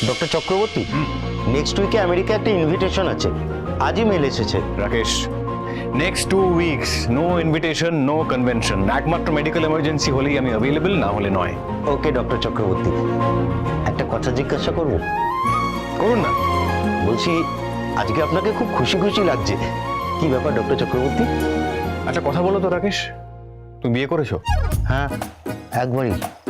Doctor Chakraborty, next উইকে America একটা invitation আছে, আজই মেল এসেছে। Rakesh, next 2 weeks no invitation, no convention. একমাত্র মেডিকেল এমার্জেন্সি হলেই আমি অ্যাভেলেবল, না হলে নয়। ওকে ডক্টর চক্রবর্তী, একটা কথা জিজ্ঞাসা করবো? করুন না। বলছি, আজকে আপনাকে খুব খুশি খুশি লাগছে, কি ব্যাপার ডক্টর চক্রবর্তী? একটা কথা বলো তো রাকেশ, তুমি বিয়ে করেছো? হ্যাঁ, একবারই।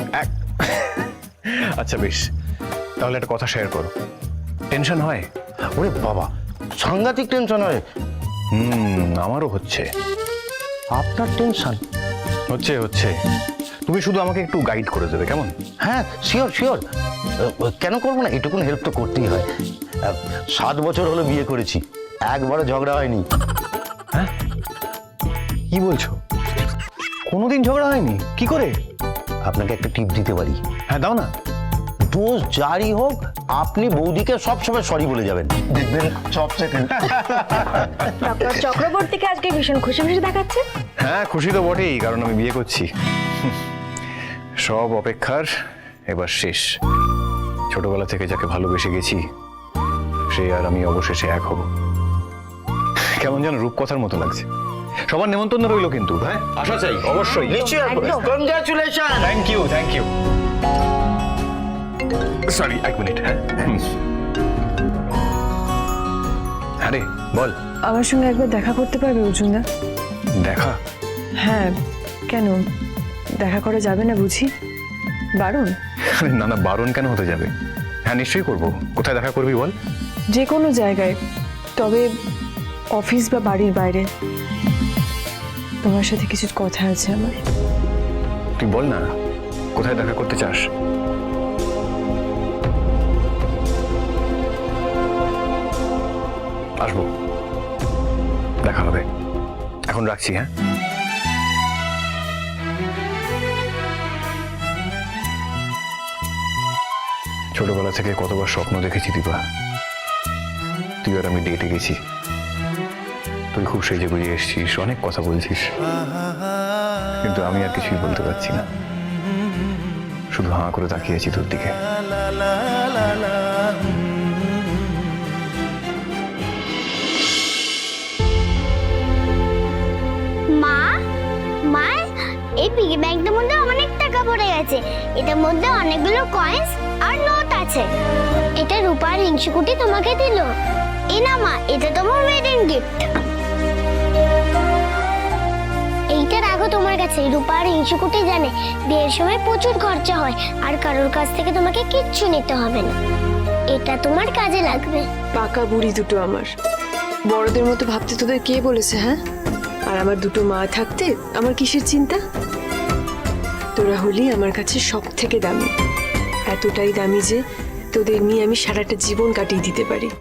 আচ্ছা বেশ, তাহলে একটা কথা শেয়ার করো। টেনশন হয়? ওরে বাবা, সাংঘাতিক টেনশন হয়। আমারও হচ্ছে। আপনার টেনশন হচ্ছে হচ্ছে তুমি শুধু আমাকে একটু গাইড করে দেবে, কেমন? হ্যাঁ, শিওর শিওর, কেন করবো না, এটুকুন হেল্প তো করতেই হয়। 7 বছর হলো বিয়ে করেছি, একবারও ঝগড়া হয়নি। হ্যাঁ, কি বলছো? কোনোদিন ঝগড়া হয়নি? কি করে? আপনাকে একটা টিপ দিতে পারি। হ্যাঁ দাও না। দোষ যারই হোক, আপনি বৌদিকে সবসময় সরি বলে যাবেন, দেখবেন সব সেকেন্ড। ডক্টর চক্রবর্তীকে আজকে ভীষণ খুশি খুশি দেখাচ্ছে। হ্যাঁ, খুশি তো বটেই, কারণ আমি বিয়ে করছি। সব অপেক্ষার এবার শেষ। ছোটবেলা থেকে যাকে ভালোবেসে গেছি, সে আর আমি অবশেষে এক হব। কেমন যেন রূপকথার মতো লাগছে। সবার নেমন্তন্ন রইল কিন্তু। হ্যাঁ, আশা চাই অবশ্যই। একদম। Congratulation. Thank you, thank you. Sorry, 1 minute. হ্যাঁ হ্যাঁ রে, বল। আমার সঙ্গে একবার দেখা করতে পারবে অর্জুনদা? দেখা? হ্যাঁ, কেন দেখা করা যাবে না বুঝি? বারণ? না না, বারণ কেন হতে যাবে? হ্যাঁ নিশ্চয়ই করবো। কোথায় দেখা করবি বল? যে কোনো জায়গায়, তবে অফিস বা বাড়ির বাইরে। তোমার সাথে কিছু কথা আছে আমার। তুই বল না, কোথায় দেখা করতে চাস? আসবো, দেখা হবে। এখন রাখছি। হ্যাঁ, ছোটবেলা থেকে কতবার স্বপ্ন দেখেছি দীপা, তুই আর আমি ডেটে গেছি। তুই খুব সেজে গুজে এসছিস, অনেক কথা বলছিস, কিন্তু আমি আর কিছুই বলতে পারছি না। শুধু হাঁ করে তাকিয়েছি তোর দিকে। মা, মা, এই পিগি ব্যাংকটার মধ্যে অনেক টাকা পড়ে গেছে। এটার মধ্যে অনেকগুলো কয়েন্স আর নোট আছে। এটা রূপার হিংসুকুটি তোমাকে দিল। এই না মা, এটা তোমার ওয়েডিং গিফট। এইটা রাখো তোমার কাছে। রূপার হিংসুকুটি জানে বিয়ের সময় প্রচুর খরচা হয়, আর কারোর কাছ থেকে তোমাকে কিচ্ছু নিতে হবে না। এটা তোমার কাজে লাগবে। পাকা বুড়ি দুটো আমার, বড়দের মতো ভাবতে তোদের কে বলেছে? হ্যাঁ, আর আমার দুটো মা থাকতে আমার কিসের চিন্তা? তোরা হলি আমার কাছে সব থেকে দামি, এতটাই দামি যে তোদের নিয়ে আমি সারাটা জীবন কাটিয়ে দিতে পারি।